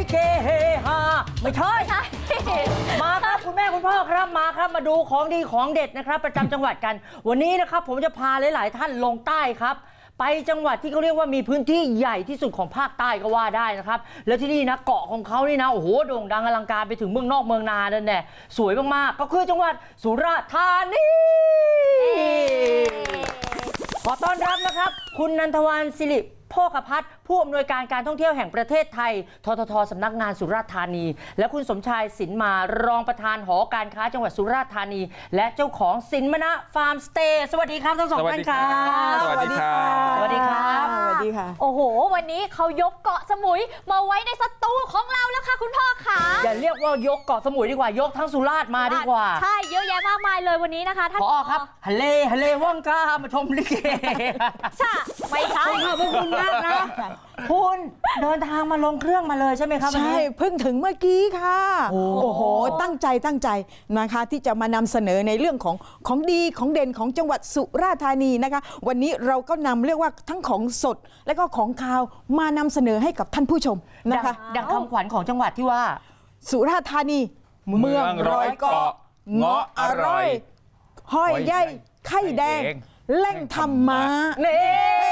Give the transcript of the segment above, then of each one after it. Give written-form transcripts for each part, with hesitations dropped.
เฮเฮฮาไม่ใช่มาครับคุณแม่คุณพ่อครับมาครับมาดูของดีของเด็ดนะครับประจำจังหวัดกันวันนี้นะครับผมจะพาหลายๆท่านลงใต้ครับไปจังหวัดที่เขาเรียกว่ามีพื้นที่ใหญ่ที่สุดของภาคใต้ก็ว่าได้นะครับแล้วที่นี่นะเกาะของเขานี่นะโอ้โหโด่งดังอลังการไปถึงเมืองนอกเมืองนานั่นแหละสวยมากๆก็คือจังหวัดสุราษฎร์ธานีขอต้อนรับนะครับคุณนันทวรรณศิริโภคภัทรผู้อำนวยการการท่องเที่ยวแห่งประเทศไทยทททสำนักงานสุราษฎร์ธานีและคุณสมชายสินมารองประธานหอการค้าจังหวัดสุราษฎร์ธานีและเจ้าของสินมนะฟาร์มสเตย์สวัสดีครับทั้งสองท่านครับสวัสดีครับสวัสดีครับสวัสดีค่ะโอ้โหวันนี้เขายกเกาะสมุยมาไว้ในสตูของเราแล้วค่ะคุณพ่อค่ะอย่าเรียกว่ายกเกาะสมุยดีกว่ายกทั้งสุราษฎร์มาดีกว่าใช่เยอะแยะมากมายเลยวันนี้นะคะท่านพอครับฮัลเลว่องกล้ามาชมลิเกใช่ไม่ใช่ขอบคุณมากนะคุณเดินทางมาลงเครื่องมาเลยใช่ไหมครับวันใช่นี้เพิ่งถึงเมื่อกี้ค่ะโอ้โอ้โหตั้งใจนะคะที่จะมานำเสนอในเรื่องของดีของเด่นของจังหวัดสุราษฎร์ธานีนะคะวันนี้เราก็นำเรียกว่าทั้งของสดและก็ของคาวมานำเสนอให้กับท่านผู้ชมนะคะดังคำขวัญของจังหวัดที่ว่าสุราษฎร์ธานีเมืองร้อยเกาะเงาะอร่อยห้อยใยไข่แดงแหล่งธรรมะนี่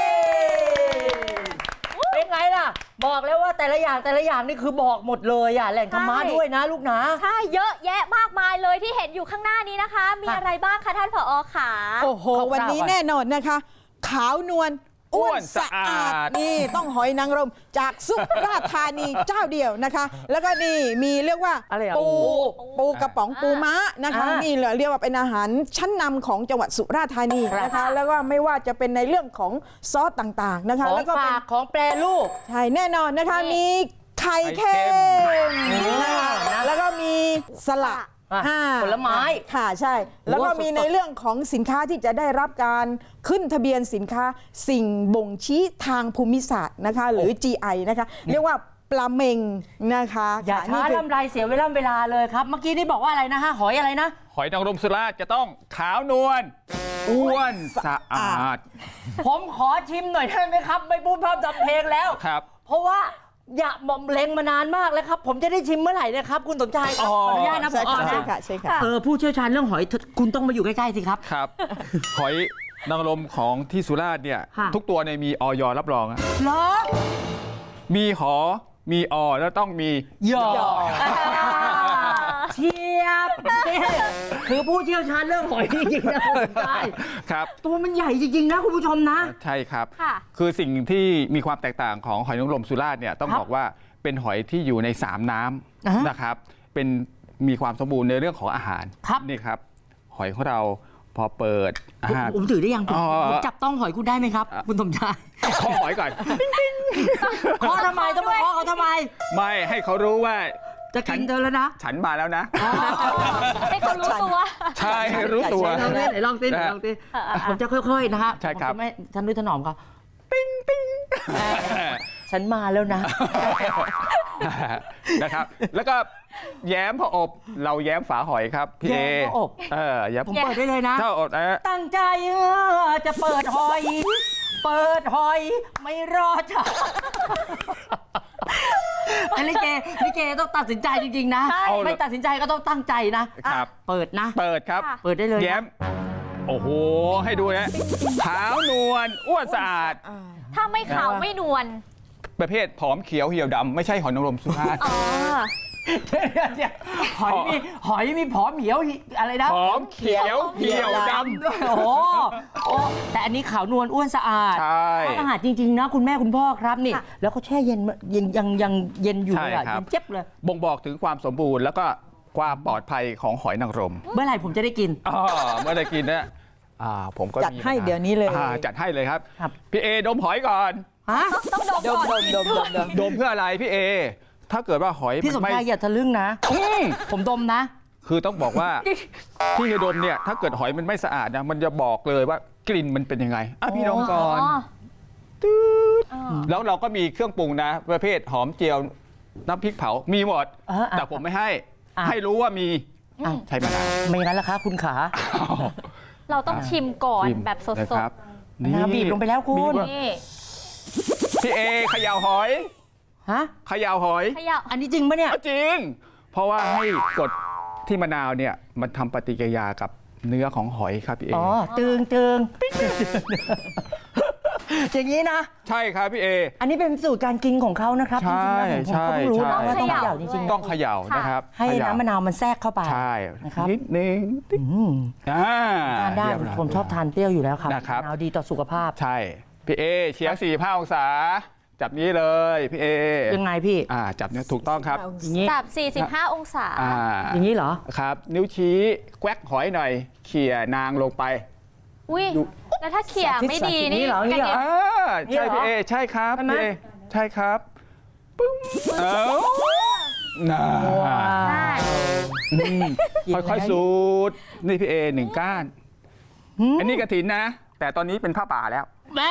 เป็นไงล่ะ บอกแล้วว่าแต่ละอย่างนี่คือบอกหมดเลยอ่ะแหล่งธรรมะด้วยนะลูกนะใช่เยอะแยะมากมายเลยที่เห็นอยู่ข้างหน้านี้นะคะ มีอะไรบ้างคะท่านผอ.ขาโอ้โห วันนี้แน่นอนนะคะ ขาวนวลอ้วนสะอาดนี่ต้องหอยนางรมจากสุราษฎร์ธานีเจ้าเดียวนะคะ แล้วก็นี่มีเรียกว่าอะไรอ่ะปูกระป๋องปูม้านะคะนี่เรียกว่าเป็นอาหารชั้นนำของจังหวัดสุราษฎร์ธานีนะคะแล้วก็ไม่ว่าจะเป็นในเรื่องของซอสต่างๆนะคะของแล้วก็เป็นฝากของแปรรูปใช่แน่นอนนะคะมีไข่เค็มนะคะแล้วก็มีสลัดผลไม้ค่ะใช่ แล้วก็มีในเรื่องของสินค้าที่จะได้รับการขึ้นทะเบียนสินค้าสิ่งบ่งชี้ทางภูมิศาสตร์นะคะหรือ GI นะคะเรียกว่าปลาเมงนะคะอย่าช้าลำไรเสียเวลาเลยครับ เมื่อกี้นี่บอกว่าอะไรนะฮะหอยอะไรนะหอยนางรมสุราษฎร์จะต้องขาวนวลอ้วนสะอาดผมขอชิมหน่อยได้ไหมครับ ไม่พูดพร่ำทำเพลงแล้วครับเพราะว่าอยากหม่อมเล็งมานานมากแล้วครับ ผมจะได้ชิมเมื่อไหร่นะครับ คุณสมชายครับอ๋อขออนุญาตนะผใช่อค่ะใช่นะค่ะใช่ค่ะผู้เชี่ยวชาญเรื่องหอยคุณต้องมาอยู่ใกล้ๆสิครับครับ หอยนางรมของที่สุราษฎร์เนี่ยค่ะทุกตัวเนี่ยมีออยรับรองอะเหรอมีหอมีอแล้วต้องมีหยอกเชียบคือผู้เชี่ยวชาญเรื่องหอยจริงๆนะคุณสมชายครับตัวมันใหญ่จริงๆนะคุณผู้ชมนะใช่ครับค่ะคือสิ่งที่มีความแตกต่างของหอยนางรมสุราษฎร์เนี่ยต้องครับบอกว่าเป็นหอยที่อยู่ใน3น้อ่าฮะำนะครับเป็นมีความสมบูรณ์ในเรื่องของอาหารครับนี่ครับ หอยของเราพอเปิดผมถือได้ยังผมอ๋อผมจับต้องหอยคุณได้ไหมครับ คุณสมชายขอหอยก่อนเคาะทำไมต้องมาเคาะเขาทำไมไม่ให้เขารู้ว่าจะกินเธอแล้วนะฉันมาแล้วนะให้เขารู้ตัวใช่ให้รู้ตัวลองเล่นไหนลองเต้นลองเต้นผมจะค่อยๆนะฮะใช่ครับผมจะไม่ฉันด้วยถนอมเขาฉันมาแล้วนะนะครับ แล้วก็แย้มพออบเราแย้มฝาหอยครับพี่เอแย้มพออบแย้มผมเปิดได้เลยนะถ้าอบนะตั้งใจจะเปิดหอย เปิดหอยไม่รอจ้ะไอ้ลิเกต้องตัดสินใจจริงๆนะใช่ไม่ตัดสินใจก็ต้องตั้งใจนะครับ เปิดนะเปิดครับค่ะเปิดได้เลยนะแย้ม โอ้โห ให้ดูนะขาวนวลอ้วนสะอาดถ้าไม่ขาวไม่นวลประเภทผอมเขียวเหี่ยวดำไม่ใช่หอยนางรมสุราษฎร์อ๋อเดี๋ยวหอยมีผอมเหี่ยวอะไรนะผอมเขียวเหี่ยวดำโอ้โหแต่อันนี้ขาวนวลอ้วนสะอาดใช่สะอาดจริงๆนะคุณแม่คุณพ่อครับนี่ค่ะแล้วเขาแช่เย็นยังเย็นอยู่เลยอะใช่ครับเย็นเจ็บเลยบ่งบอกถึงความสมบูรณ์แล้วก็ความปลอดภัยของหอยนางรมเมื่อไหร่ผมจะได้กินเมื่อได้กินเนี่ยผมก็จัดมีให้เดี๋ยวนี้เลยจัดให้เลยครับครับพี่เอดมหอยก่อนฮะต้องดมก่อนกินด้วยดมเพื่ออะไรพี่เอ ถ้าเกิดว่าหอยพี่สมไม่ชายอย่าทะลึ่งนะ ผมดมนะคือต้องบอกว่าที่จะดมเนี่ยถ้าเกิดหอยมันไม่สะอาดนะมันจะบอกเลยว่ากลิ่นมันเป็นยังไงพี่ดมก่อน แล้วเราก็มีเครื่องปรุงนะ ประเภทหอมเจียวน้ำพริกเผามีหมด แต่ผมไม่ให้ ให้รู้ว่ามีใช่มะนาวไม่งั้นล่ะคะคุณขาเราต้องชิมก่อนชิมแบบสนะดครับมะนาวบีบลงไปแล้วคุณบีบๆนี่พี่เอเขย่าหอยฮะเขย่าหอยขยับอันนี้จริงปะเนี่ยจริง เพราะว่าให้กดที่มะนาวเนี่ยมันทำปฏิกิริยากับเนื้อของหอยครับพี่เออ๋อตึงอย่างนี้นะใช่ครับพี่เออันนี้เป็นสูตรการกินของเขานะครับใช่จริงๆแล้วผมก็เพิ่งรู้ใช่นะว่าต้องเขย่าจริงๆต้องเขย่านะครับให้เขย่าน้ำมะนาวมันแทรกเข้าไปใช่นะครับนิดนึงอืม ทานได้เรียบร้ยผมชอบทานเปรี้ยวอยู่แล้วครับนะครับมะนาวดีต่อสุขภาพใช่พี่เอเฉียง45 องศา จับนี้เลยพี่เอยังไงพี่จับเนี่ยถูกต้องครับอย่างนี้จับ 45 องศาอย่างนี้เหรอครับ นิ้วชี้แกวกหอยหน่อยเขี่ยนางลงไปอุ้ยดูแล้วถ้าเขี่ยไม่ดีนี่นี่เหรอกระเด็นใช่พี่เอใช่ครับใช่ไหมพี่เอใช่ครับปึ้งน่าได้ค่อยๆสูดนี่พี่เอหนึ่งก้าน อันนี้กระถินนะ แต่ตอนนี้เป็นผ้าป่าแล้วแม่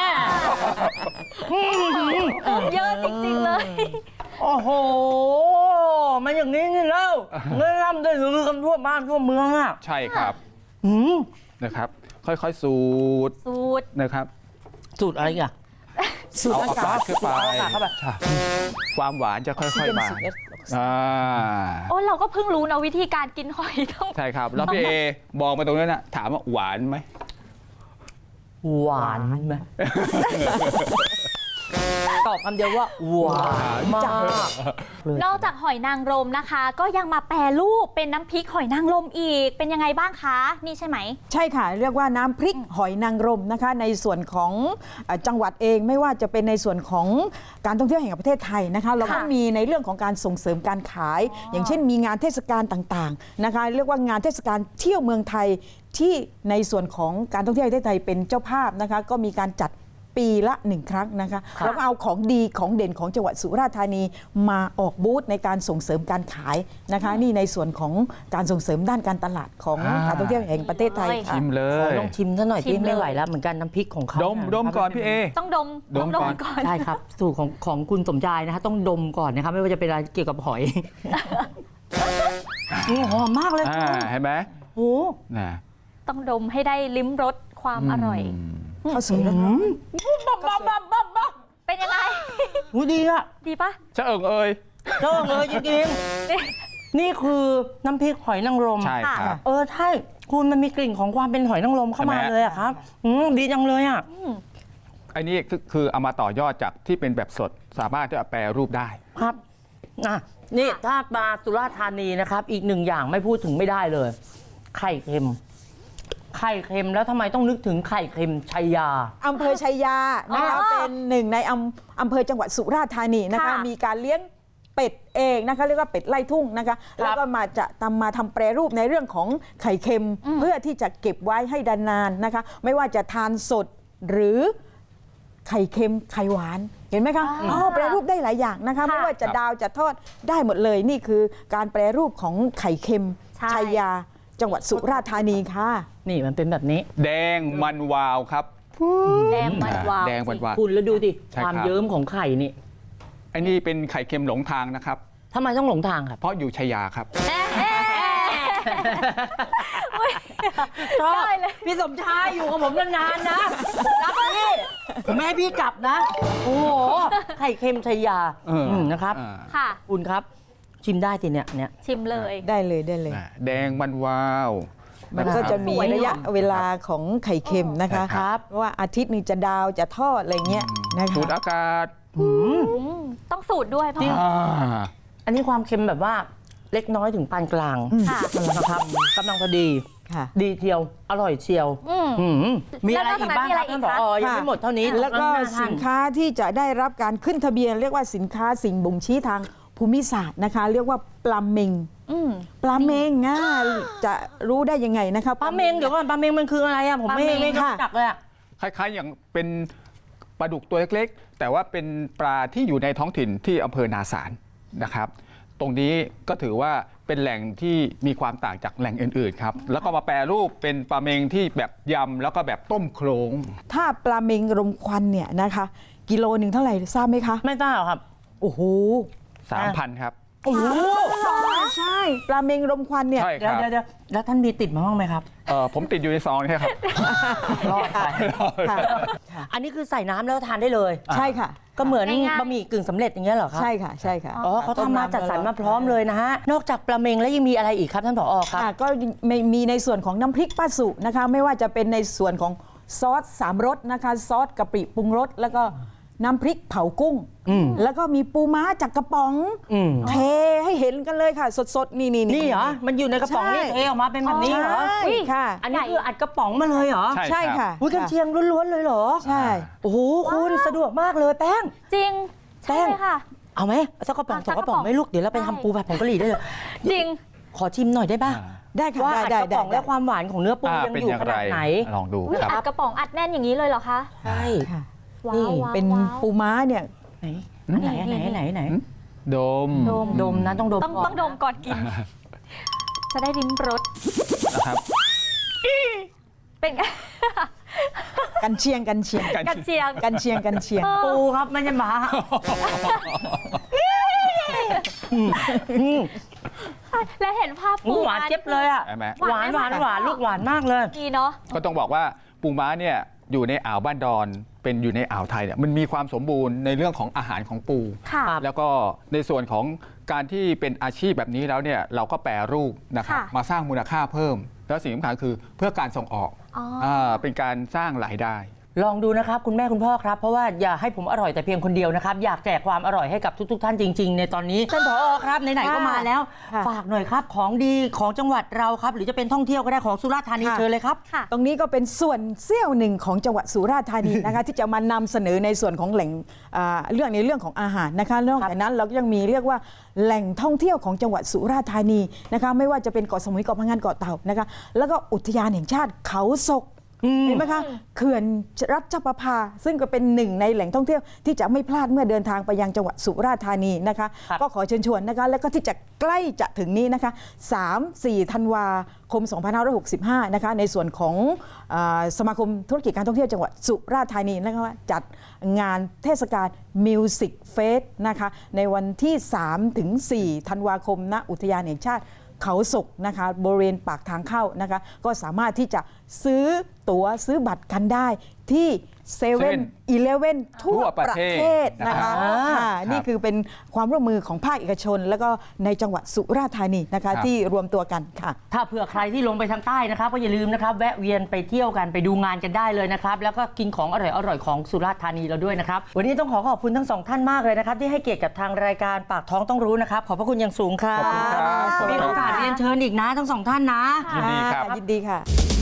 เยอะจริงๆเลยโอ้โห มันอย่างนี้นี่แล้วเงื่อนได้ลือกันทั่วบ้านทั่วเมืองอ่ะใช่ครับอืมนะครับ ค่อยๆสูดสูตรนะครับสูตรอะไรอ่ะสูตรเอาอาอากาาศศขึ้นไปเอาอากาศเข้าไปใช่ความหวานจะค่อยๆมา 11 โอ้เราก็เพิ่งรู้นะวิธีการกินหอยต้องใช่ครับ แล้วพี่เอบอกมาตรงนั้นนะถามว่าหวานไหมหวานไหมตอบคำเดียวว่าหวานมากนอกจากหอยนางรมนะคะ ก็ยังมาแปรรูปเป็นน้ำพริกหอยนางรมอีก เป็นยังไงบ้างคะ นี่ใช่ไหมใช่ค่ะ เรียกว่าน้ำพริกหอยนางรมนะคะ ในส่วนของจังหวัดเองไม่ว่าจะเป็นในส่วนของการท่องเที่ยวแห่งประเทศไทยนะคะ เราก็มีในเรื่องของการส่งเสริมการขาย อย่างเช่นมีงานเทศกาลต่างๆนะคะ เรียกว่างานเทศกาลเที่ยวเมืองไทยที่ในส่วนของการท่องเที่ยวแห่งประเทศไทยเป็นเจ้าภาพนะคะ ก็มีการจัดปีละ 1 ครั้งนะคะแล้วก็เอาของดีของเด่นของจังหวัดสุราษฎร์ธานีมาออกบูธในการส่งเสริมการขายนะคะ นี่ในส่วนของการส่งเสริมด้านการตลาดของการท่องเที่ยวแห่งประเทศไทยค่ะชิมเลขอย ลองชิมซะหน่อยชิที่มเลยไม่ไหวแล้วเหมือนกันน้ำพริกของเขาดมเยดมก่อนพี่เอต้องดมดมต้องก่อนก่อนใช่ครับ สูตรของคุณสมชายนะคะต้องดมก่อนนะครับไม่ว่าจะเป็นอะไรเกี่ยวกับหอยหอมมากเลยคุณเห็นไหมโอ้น่ะต้องดมให้ได้ลิ้มรสความอร่อยข้าวสวยร้อนเป็นยังไงโหดีอะดีปะชะเอิงเอ่ยเจ้าเลยจริงๆนี่คือน้ำพริกหอยนางรมใช่ครับใช่คุณมันมีกลิ่นของความเป็นหอยนางรมเข้ามาใช่ไหมเลยอะครับดีจังเลยอะอันนี้คือเอามาต่อยอดจากที่เป็นแบบสดสามารถจะแปรรูปได้ครับนี่ถ้ามาสุราษฎร์ธานีนะครับ อีกหนึ่งอย่างไม่พูดถึงไม่ได้เลย ไข่เค็ม ไข่เค็มแล้วทำไมต้องนึกถึงไข่เค็มชัยยาอำเภอชัยยานะคะอ๋อเป็นหนึ่งในอำเภอจังหวัดสุราษฎร์ธานีนะคะค่ะมีการเลี้ยงเป็ดเองนะคะเรียกว่าเป็ดไล่ทุ่งนะคะแล้วก็มาทำแปรรูปในเรื่องของไข่เค็มเพื่อที่จะเก็บไว้ให้ดานานนะคะ ไม่ว่าจะทานสดหรือไข่เค็มไข่หวานเห็นไหมคะแปรรูปได้หลายอย่างนะคะ ไม่ว่าจะดาวจะทอดได้หมดเลยนี่คือการแปรรูปของไข่เค็มใช่ชัยยา จังหวัดสุราษฎร์ธานีค่ะนี่มันเป็นแบบนี้แดงมันวาวครับแดงมันวาวแดงมันวาวคุณแล้วดูดิใช่ความครับเยิ้มของไข่นี่อันนี้เป็นไข่เค็มหลงทางนะครับทำไมต้องหลงทางครับเพราะอยู่ชัยยาครับชอบได้เลยพี่สมชายอยู่กับผมนานๆนะรักพี่ผมไม่ให้พี่กลับนะ โอ้โหไข่เค็มชัยยา นะครับค่ะคุณครับ ชิมได้สิเนี่ยชิมเลยได้เลยได้เลยแดงมันวาวมันก็จะมีระยะเวลาของไข่เค็มนะคะครับว่าอาทิตย์หนึงจะดาวจะทอดอะไรเงี้ยนะคะสูดอากาศต้องสูตรด้วยพ่ออันนี้ความเค็มแบบว่าเล็กน้อยถึงปานกลางค่ะนะครับกำลังพอดีค่ะดีเทียว อร่อยเชียว มีอะไรอีกบ้างครับท่านผอยังไม่หมดเท่านี้แล้วก็สินค้าที่จะได้รับการขึ้นทะเบียน เรียกว่าสินค้าสิ่งบ่งชี้ทางภูมิศาสตร์นะคะ เรียกว่าปลาเมงปลาเมงจะรู้ได้ยังไงนะคะปลาเมงเดี๋ยวก่อนปลาเมงมันคืออะไรอะผมไม่ปลาเมงรู้จักเลยอะคล้ายๆ อย่างเป็นปลาดุกตัวเล็กๆ แต่ว่าเป็นปลาที่อยู่ในท้องถิ่นที่อำเภอนาสารนะครับ ตรงนี้ก็ถือว่าเป็นแหล่งที่มีความต่างจากแหล่งอื่นๆครับ แล้วก็มาแปรรูปเป็นปลาเมงที่แบบยำแล้วก็แบบต้มโครงถ้าปลาเมงรมควันเนี่ยนะคะกิโลหนึ่งเท่าไหร่ทราบไหมคะไม่ทราบครับโอ้โห 3,000 ครับโอ้โหใช่ปลาเมงรมควันเนี่ยใช่คเดี๋ยวรับเดี๋ยวแล้วท่านมีติดมาบ้างไหมครับผมติดอยู่ในซองนี่ครับรอดไปค่ะอันนี้คือใส่น้ำแล้วทานได้เลยใช่ค่ะก็เหมือนง่ายๆบะหมี่กึ่งสำเร็จอย่างเงี้ยเหรอครับใช่ค่ะใช่ค่ะอ๋อเขาทำมาจัดสรรมาพร้อมเลยนะฮะ นอกจากปลาเมงแล้วยังมีอะไรอีกครับท่านผอครับก็มีในส่วนของน้ำพริกป้าสุนะคะไม่ว่าจะเป็นในส่วนของซอส3 รสนะคะซอสกะปิปรุงรสแล้วก็น้ำพริกเผากุ้ง แล้วก็มีปูม้าจากกระป๋องอืมเทให้เห็นกันเลยค่ะ สดๆ นี่นี่เหรอ มันอยู่ในกระป๋องนี่ใช่เทออกมาเป็นแบบนี้เหรอใช่ค่ะอันนี้คืออัดกระป๋องมาเลยเหรอใช่ใช่ค่ะอุ้ยกันเชียงล้วนๆเลยเหรอใช่โอ้โหคุณสะดวกมากเลยแป้งจริงแป้ใช่งเลยค่ะเอาไหมสักกระป๋องเอาสองกระป๋องสักกระป๋องไหม่ลูกเดี๋ยวเราไปใช่ทำปูผัดผงกะหรี่ได้เลยจริงขอชิมหน่อยได้ป่ะได้ค่ะว่าได้อัดกระป๋องได้และความหวานของเนื้อปูยังเป็นอยู่อย่างขไรนาดไหนลองดูอุ๊ยครับอัดกระป๋องอัดแน่นอย่างนี้เลยเหรอคะใช่ค่ะว้านี่วว้าวเป็นว้าวปูม้าเนี่ยไหนอันไหนอันไหนอันไหนอันไหนดมดมนะต้องดมต้องก่นต้องดมก่อนกิน จะได้ลิ้มรสนะครับเป็นไงกันเชียงกันเชียงกันเชียงกันเชียงกันเชียงปูครับไม่ใช่หมาและเห็นภาพหมูหวานเจ็บเลยอ่ะใช่ไหมหวานหวานหวานลูกหวานมากเลยดีเนาะก็ต้องบอกว่าปูม้าเนี่ยอยู่ในอ่าวบ้านดอน เป็นอยู่ในอ่าวไทยเนี่ยมันมีความสมบูรณ์ในเรื่องของอาหารของปูค่ะแล้วก็ในส่วนของการที่เป็นอาชีพแบบนี้แล้วเนี่ยเราก็แปรรูปนะครับค่ะมาสร้างมูลค่าเพิ่ม แล้วสิ่งสำคัญคือเพื่อการส่งออกอ๋ออ่เป็นการสร้างรายได้ลองดูนะครับคุณแม่คุณพ่อครับ เพราะว่าอย่าให้ผมอร่อยแต่เพียงคนเดียวนะครับ อยากแจกความอร่อยให้กับทุก ๆ ท่านจริง ๆ ในตอนนี้ท่านผอครับไหนๆก็มาแล้วค่ะฝากหน่อยครับของดีของจังหวัดเราครับ หรือจะเป็นท่องเที่ยวก็ได้ของสุราษฎร์ธานีค่ะเชิญเลยครับค่ะตรงนี้ก็เป็นส่วนเสี้ยวหนึ่งของจังหวัดสุราษฎร์ธานีนะคะ ที่จะมานำเสนอในส่วนของแหล่งเรื่องของอาหารนะคะนอกจากนั้นเราก็ยังมีเรียกว่าแหล่งท่องเที่ยวของจังหวัดสุราษฎร์ธานีนะคะไม่ว่าจะเป็นเกาะสมุยเกาะพังงานเกาะเต่านะคะแล้วก็อุทยานแห่งชาติเขาศกเห็นไหมคะเขื่อนรัชประภาซึ่งก็เป็นหนึ่งในแหล่งท่องเที่ยวที่จะไม่พลาดเมื่อเดินทางไปยังจังหวัดสุราษฎร์ธานีนะคะครับก็ขอเชิญชวนนะคะแล้วก็ที่จะใกล้จะถึงนี้นะคะ 3-4 ธันวาคม 2565 นะคะในส่วนของสมาคมธุรกิจการท่องเที่ยวจังหวัดสุราษฎร์ธานีนะคะว่าจัดงานเทศกาลมิวสิกเฟสนะคะในวันที่ 3-4 ธันวาคมณอุทยานแห่งชาติเขาศกนะคะบริเวณปากทางเข้านะคะก็สามารถที่จะซื้อตั๋วซื้อบัตรกันได้ที่เซเว่นอีเลฟเว่นทั่วประเทศนะคะ ค่ะนี่คือเป็นความร่วมมือของภาคเอกชน แล้วก็ในจังหวัดสุราษฎร์ธานีนะคะที่รวมตัวกันค่ะถ้าเผื่อใครที่ลงไปทางใต้นะครับก็อย่าลืมนะครับแวะเวียนไปเที่ยวกันไปดูงานกันได้เลยนะครับแล้วก็กินของอร่อยๆของสุราษฎร์ธานีเราด้วยนะครับวันนี้ต้องขอบคุณทั้งสองท่านมากเลยนะครับที่ให้เกียรติกับทางรายการปากท้องต้องรู้นะครับขอบพระคุณอย่างสูงครับขอบคุณครับมีโอกาสเรียนเชิญอีกนะทั้งสองท่านนะยินดีครับยินดีค่ะ